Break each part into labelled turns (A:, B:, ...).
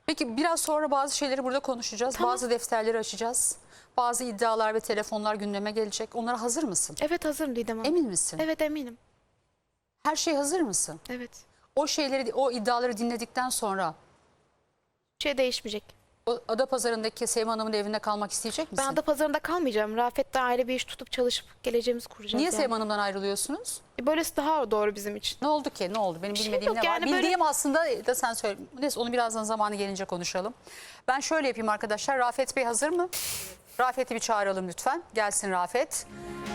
A: Peki biraz sonra bazı şeyleri burada konuşacağız.
B: Tamam.
A: Bazı defterleri açacağız. Bazı iddialar ve telefonlar gündeme gelecek. Onlara hazır mısın?
B: Evet, hazırım Didem Hanım.
A: Emin misin?
B: Evet, eminim.
A: Her şeye hazır mısın?
B: Evet.
A: O şeyleri, o iddiaları dinledikten sonra
B: Bir şey değişmeyecek.
A: o Adapazarı'ndaki Sevim Hanım'ın evinde kalmak isteyecek misin?
B: Ben Adapazarı'nda kalmayacağım. Rafet'le aile bir iş tutup çalışıp geleceğimizi kuracağız.
A: Niye
B: yani.
A: Sevim Hanım'dan ayrılıyorsunuz?
B: Böylesi daha doğru bizim için.
A: Ne oldu ki? Ne oldu? Benim
B: şey
A: bilmediğim
B: yok
A: ne var?
B: yani, böyle-
A: Bildiğim aslında da sen söyle. Neyse onu birazdan zamanı gelince konuşalım. Ben şöyle yapayım arkadaşlar. Rafet Bey hazır mı? Rafet'i bir çağıralım lütfen. Gelsin Rafet.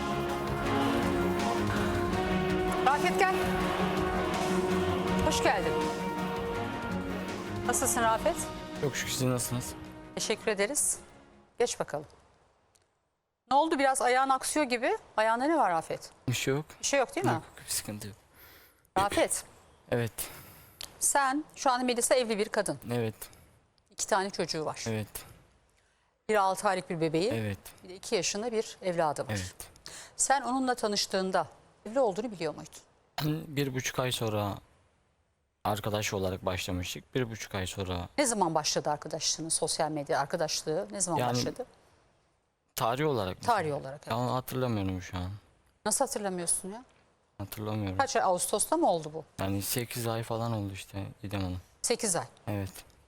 A: Rafet gel. Hoş geldin. Nasılsın Rafet?
C: Çok şükür, siz nasılsınız?
A: Teşekkür ederiz. Geç bakalım. Ne oldu? Biraz ayağın aksıyor gibi. Ayağında ne var Rafet?
C: Bir şey yok.
A: Bir şey yok değil mi?
C: Yok, bir sıkıntı yok.
A: Rafet,
C: Evet,
A: sen şu an Melisa evli bir kadın.
C: evet,
A: 2 tane çocuğu var.
C: evet,
A: Bir 6 aylık bir bebeği,
C: evet,
A: bir de 2 yaşında bir evladı var.
C: evet.
A: Sen onunla tanıştığında evli olduğunu biliyor muydun?
C: 1,5 ay sonra arkadaş olarak başlamıştık. 1,5 ay sonra
A: Ne zaman başladı arkadaşlığınız, sosyal medya arkadaşlığı? Ne zaman
C: Yani-
A: başladı?
C: tarih olarak mı?
A: Tarihi olarak. Evet.
C: Ya hatırlamıyorum şu an.
A: Nasıl hatırlamıyorsun ya?
C: Hatırlamıyorum.
A: Kaç ay? Ağustos'ta mı oldu bu?
C: Yani 8 ay falan oldu işte İdem Hanım.
A: 8 ay.
C: Evet.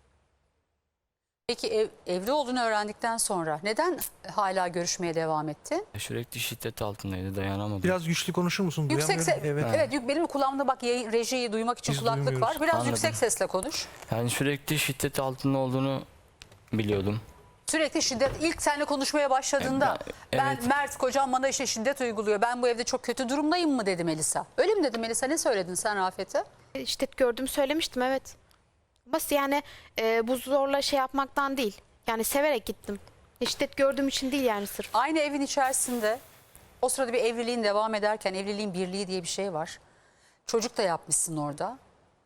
A: Peki evli olduğunu öğrendikten sonra neden hala görüşmeye devam etti?
C: Sürekli şiddet altındaydı, dayanamadım.
D: Biraz güçlü konuşur musun?
A: Yüksek
D: Duyamıyorum.
A: ses. Evet. Benim kulağımda bak rejiyi duymak için
D: Biz
A: kulaklık var.
D: duymuyoruz.
A: Biraz
C: Anladım.
A: yüksek sesle konuş.
C: Yani sürekli şiddet altında olduğunu biliyordum.
A: Sürekli şiddet. İlk seninle konuşmaya başladığında ben
C: Evet.
A: Mert kocam bana işte şiddet uyguluyor. Ben bu evde çok kötü durumdayım mı dedi Melisa. Öyle mi dedi Melisa? Ne söyledin sen Rafet'e?
B: Şiddet gördüğümü söylemiştim, evet. Bas yani bu zorla şey yapmaktan değil. Yani severek gittim. Şiddet gördüğüm için değil yani sırf.
A: Aynı evin içerisinde o sırada bir evliliğin devam ederken evliliğin birliği diye bir şey var. Çocuk da yapmışsın orada.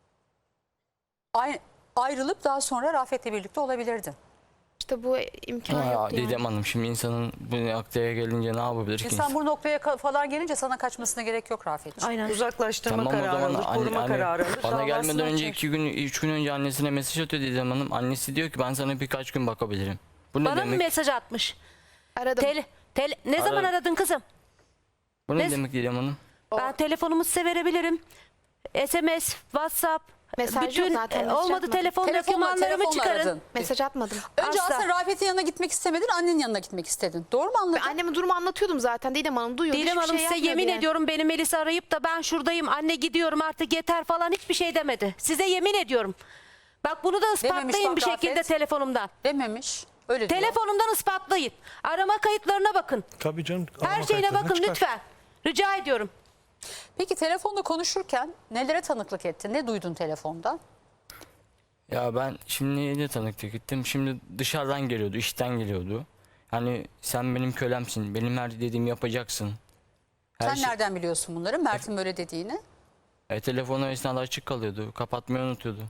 A: Ayrılıp daha sonra Rafet'le birlikte olabilirdin.
B: İşte bu imkan
C: Ama
B: yoktu yani.
C: Didem Hanım, şimdi insanın bu noktaya gelince ne yapabilir ki?
A: İnsan bu noktaya falan gelince sana kaçmasına gerek yok Rafet'ciğim.
E: Aynen. Uzaklaştırma
C: Tamam, o
E: kararı
C: zaman
E: alır, koruma kararı alır.
C: bana gelmeden
E: davasını
C: önce
E: açar.
C: 2 gün 3 gün önce annesine mesaj atıyor Didem Hanım. Annesi diyor ki ben sana birkaç gün bakabilirim. Bu ne
F: Bana mı
C: demek?
F: mesaj atmış?
B: Aradım.
F: Ne zaman
C: Aradım.
F: aradın kızım?
C: Bu ne
F: Ne-
C: demek Didem Hanım?
F: Ben telefonumu size verebilirim. SMS, WhatsApp,
B: Mesaj yok
F: bütün
B: zaten, mesaj
F: olmadı
B: atmadım.
F: telefon dokümanlarımı
A: telefonla
F: çıkarın.
A: aradın.
B: Mesaj atmadım.
A: Önce
F: Asla.
A: aslında Rafet'in yanına gitmek istemedin, annenin yanına gitmek istedin. Doğru mu anladın?
B: Ben anneme durumu anlatıyordum zaten. Didem Hanım duyuyordu.
F: Didem
B: hiçbir
F: Hanım
B: şey
F: size
B: yapmıyordu
F: yemin
B: yani.
F: ediyorum beni Melisa arayıp da ben şuradayım anne gidiyorum artık yeter falan hiçbir şey demedi. Size yemin ediyorum. Bak bunu da ispatlayın
A: bak
F: bir şekilde
A: Rafet.
F: telefonumdan.
A: Dememiş. Öyle diyor.
F: Telefonumdan ispatlayın. Arama kayıtlarına bakın.
D: Tabii canım.
F: Her
D: arama
F: şeyine
D: kayıtlarına
F: bakın
D: çıkar.
F: lütfen. Rica ediyorum.
A: Peki telefonda konuşurken nelere tanıklık ettin? Ne duydun telefonda?
C: Ya ben şimdi ne tanıklık gittim. Şimdi dışarıdan geliyordu, işten geliyordu. Hani sen benim kölemsin, benim her dediğimi yapacaksın. Her
A: Sen nereden biliyorsun bunları? Mert'in böyle dediğini.
C: Telefonu esnada açık kalıyordu, kapatmayı unutuyordu.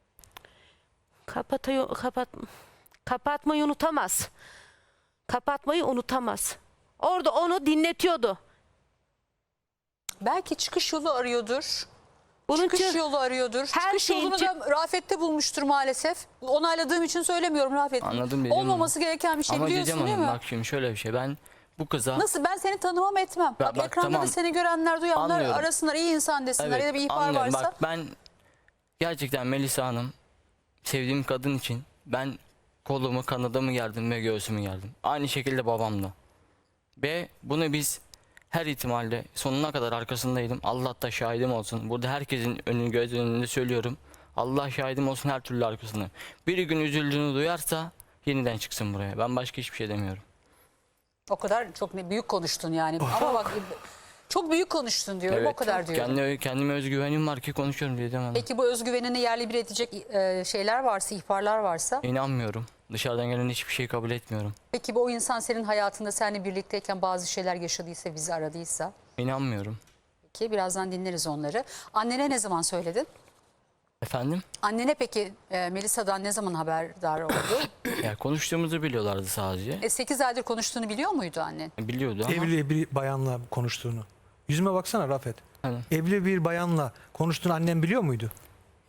F: Kapatmayı unutamaz. Kapatmayı unutamaz. Orada onu dinletiyordu.
A: Belki çıkış yolu arıyordur.
F: Bunun
A: Çıkış
F: için
A: yolu arıyordur.
F: her
A: Çıkış
F: şeyin
A: yolunu da Rafet'te bulmuştur maalesef. Onayladığım için söylemiyorum Rafet.
C: Anladım dedim.
A: Olmaması gereken bir şey
C: Ama
A: biliyorsun
C: Didem
A: değil mi?
C: Hanım bak şimdi şöyle bir şey. Ben bu kıza...
A: Nasıl? Ben seni tanımam etmem.
C: Ya
A: Bak,
C: bak,
A: ekranda
C: tamam.
A: da seni görenler, duyanlar
C: Anlıyorum.
A: arasınlar, iyi insan desinler ya da bir ihbar
C: anlıyorum.
A: varsa.
C: Bak ben gerçekten Melisa Hanım sevdiğim kadın için ben kolumu, kanadımı gerdim ve göğsümü gerdim. Aynı şekilde babam da. Ve bunu biz her ihtimalle sonuna kadar arkasındaydım. Allah da şahidim olsun. Burada herkesin göz önünde söylüyorum. Allah şahidim olsun, her türlü arkasında. Bir gün üzüldüğünü duyarsa yeniden çıksın buraya. Ben başka hiçbir şey demiyorum.
A: O kadar çok büyük konuştun yani. Ama bak çok büyük konuştun diyorum, o kadar diyorum.
C: Kendime özgüvenim var ki konuşuyorum Didem Hanım.
A: Peki bu özgüvenini yerli bir edecek şeyler varsa, ihbarlar varsa.
C: İnanmıyorum. Dışarıdan gelen hiçbir şey kabul etmiyorum.
A: Peki bu o insan senin hayatında seninle birlikteyken bazı şeyler yaşadıysa, bizi aradıysa.
C: İnanmıyorum.
A: Peki birazdan dinleriz onları. Annene ne zaman söyledin?
C: Efendim?
A: Annene peki Melisa'dan ne zaman haberdar oldu?
C: Ya konuştuğumuzu biliyorlardı sadece.
A: 8 aydır konuştuğunu biliyor muydu annen?
C: Biliyordu ama
D: Evli bir bayanla konuştuğunu. Yüzüme baksana Rafet.
C: Hani?
D: Evli bir bayanla konuştuğunu annem biliyor muydu?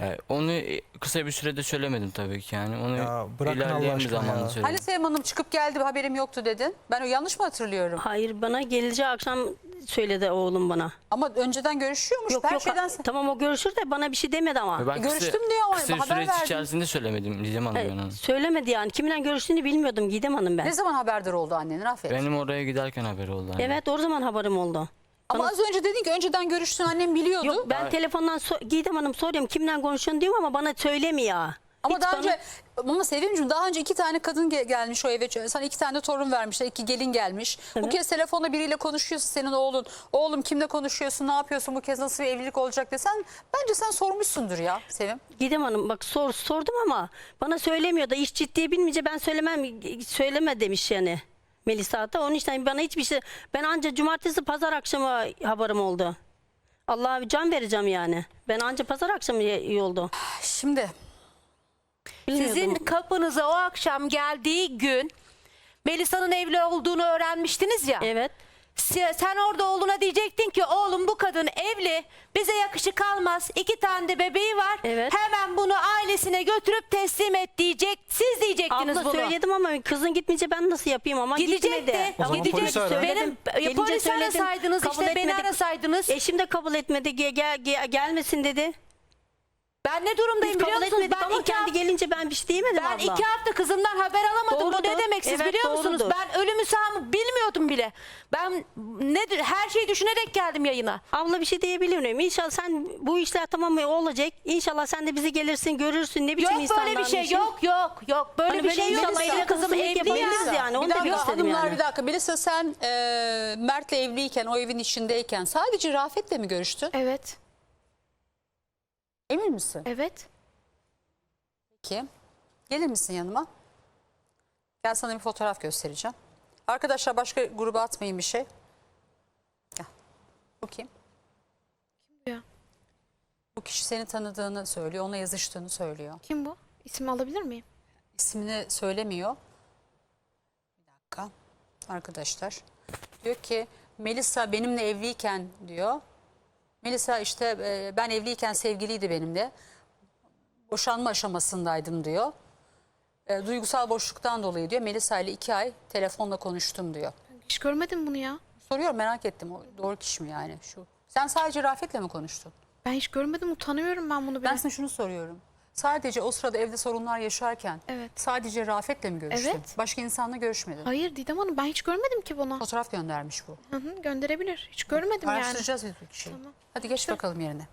C: Onu kısa bir sürede söylemedim tabii ki yani. Onu
D: Ya bırakın
C: ilerleyen
D: Allah
C: bir
D: aşkına
C: zamanda
D: ya.
C: söyledim.
A: Hani Sevim Hanım çıkıp geldi haberim yoktu dedin. Ben o yanlış mı hatırlıyorum?
E: Hayır, bana geleceği akşam söyledi oğlum bana.
A: Ama önceden görüşüyormuş.
E: Yok
A: Her
E: yok,
A: şeyden...
E: tamam o görüşür de bana bir şey demedi ama.
C: Ben
A: Görüştüm diyor ama
C: kısa bir
A: haber
C: süreç
A: verdim.
C: içerisinde söylemedim Didem Hanım ben onu.
E: Söylemedi yani. Kiminle görüştüğünü bilmiyordum Gidem Hanım ben.
A: Ne zaman haberdar oldu annenin Rafet?
C: Benim oraya giderken haberi oldu. Hani.
E: Evet, o zaman haberim oldu.
A: Ama az önce dedin ki önceden görüştün annem biliyordu.
E: Yok, ben telefondan Gidem Hanım soruyorum kimle konuşuyorsun diyorum ama bana söylemiyor.
A: Ama
E: Hiç
A: daha
E: bana-
A: önce ama Sevimciğim daha önce 2 tane kadın gelmiş o eve. Sana 2 tane torun vermişler. 2 gelin gelmiş. Bu
E: Evet.
A: kez telefonla biriyle konuşuyorsun senin oğlun. Oğlum kimle konuşuyorsun? Ne yapıyorsun? Bu kez nasıl bir evlilik olacak desen bence sen sormuşsundur ya Sevim.
E: Gidem Hanım bak sordum ama bana söylemiyor da iş ciddiye binince ben söyleme demiş yani Melisa da. Onun için bana hiçbir şey, ben anca cumartesi pazar akşamı haberim oldu. Allah'a can vereceğim yani. Ben anca pazar akşamı iyi oldu.
A: Şimdi
E: Bilmiyordum.
F: Sizin kapınıza o akşam geldiği gün Melisa'nın evli olduğunu öğrenmiştiniz ya.
E: Evet.
F: Sen orada oğluna diyecektin ki oğlum bu kadın evli, bize yakışık almaz, 2 tane de bebeği var.
E: Evet.
F: Hemen bunu ailesine götürüp teslim et diyecek. Siz diyecektiniz
E: Abla
F: bunu.
E: söyledim ama kızın gitmeyince ben nasıl yapayım ama
F: Gidecekti.
E: gitmedi.
D: O zaman
F: Gidecekti.
D: polisi ara.
F: Benim
E: Gelince
F: polisi
E: söyledim,
F: arasaydınız
E: kabul
F: işte beni
E: etmedi.
F: arasaydınız.
E: Eşim de kabul etmedi. Gelmesin dedi.
F: Ben ne durumdayım
E: Biz
F: biliyor
E: kabul
F: musunuz?
E: etmedik ama kendi gelince ben bir şey diyemedim
F: Ben
E: abla.
F: 2 hafta kızımdan haber alamadım. Bu ne
E: Doğrudur.
F: demek siz
E: Evet,
F: biliyor musunuz?
E: doğrudur.
F: Ben ölümü sağımı bilmiyordum bile. Ben her şeyi düşünerek geldim yayına.
E: Abla bir şey diyebilir miyim? İnşallah sen bu işler tamam mı olacak. İnşallah sen de bizi gelirsin görürsün ne biçim
F: Yok böyle bir şey yok. Böyle
E: Hani
F: bir
E: böyle
F: şey yok.
E: inşallah
F: Benim
E: evli
F: kızım
E: kızım
F: evli
E: yapabiliriz
F: ya.
E: yani. Onu
A: bir
E: da
A: dakika
E: gösterim
A: hanımlar
E: yani.
A: bir dakika. Melisa sen Mert'le evliyken o evin içindeyken sadece Rafet'le mi görüştün?
B: Evet.
A: Emin misin?
B: Evet.
A: Peki. Gelir misin yanıma? Gel sana bir fotoğraf göstereceğim. Arkadaşlar başka gruba atmayın bir şey. Gel. Bu kim?
B: Kim ya?
A: Bu kişi seni tanıdığını söylüyor. Onunla yazıştığını söylüyor.
B: Kim bu? İsmi alabilir miyim?
A: İsmini söylemiyor. Bir dakika. Arkadaşlar. Diyor ki Melisa benimle evliyken diyor. Melisa işte ben evliyken sevgiliydi benimle. Boşanma aşamasındaydım diyor. Duygusal boşluktan dolayı diyor. Melisa ile 2 ay telefonla konuştum diyor.
B: Hiç görmedim bunu ya.
A: Soruyorum merak ettim. O doğru kişi mi yani şu? Sen sadece Rafet'le mi konuştun?
B: Ben hiç görmedim. Utanıyorum ben bunu bile.
A: Ben sana şunu soruyorum. Sadece o sırada evde sorunlar yaşarken
B: Evet.
A: sadece Rafet'le mi görüştün?
B: Evet.
A: Başka insanla görüşmedin.
B: Hayır Didem Hanım ben hiç görmedim ki bunu.
A: Fotoğraf göndermiş bu.
B: Hı hı, gönderebilir. Hiç görmedim yani.
A: Araştıracağız biz bu kişiyi.
B: Tamam.
A: Hadi geç bakalım yerine.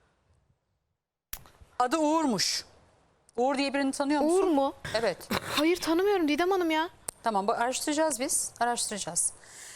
A: Adı Uğur'muş. Uğur diye birini tanıyor musun?
B: Uğur mu?
A: Evet.
B: Hayır tanımıyorum Didem Hanım ya.
A: Tamam araştıracağız biz. Araştıracağız.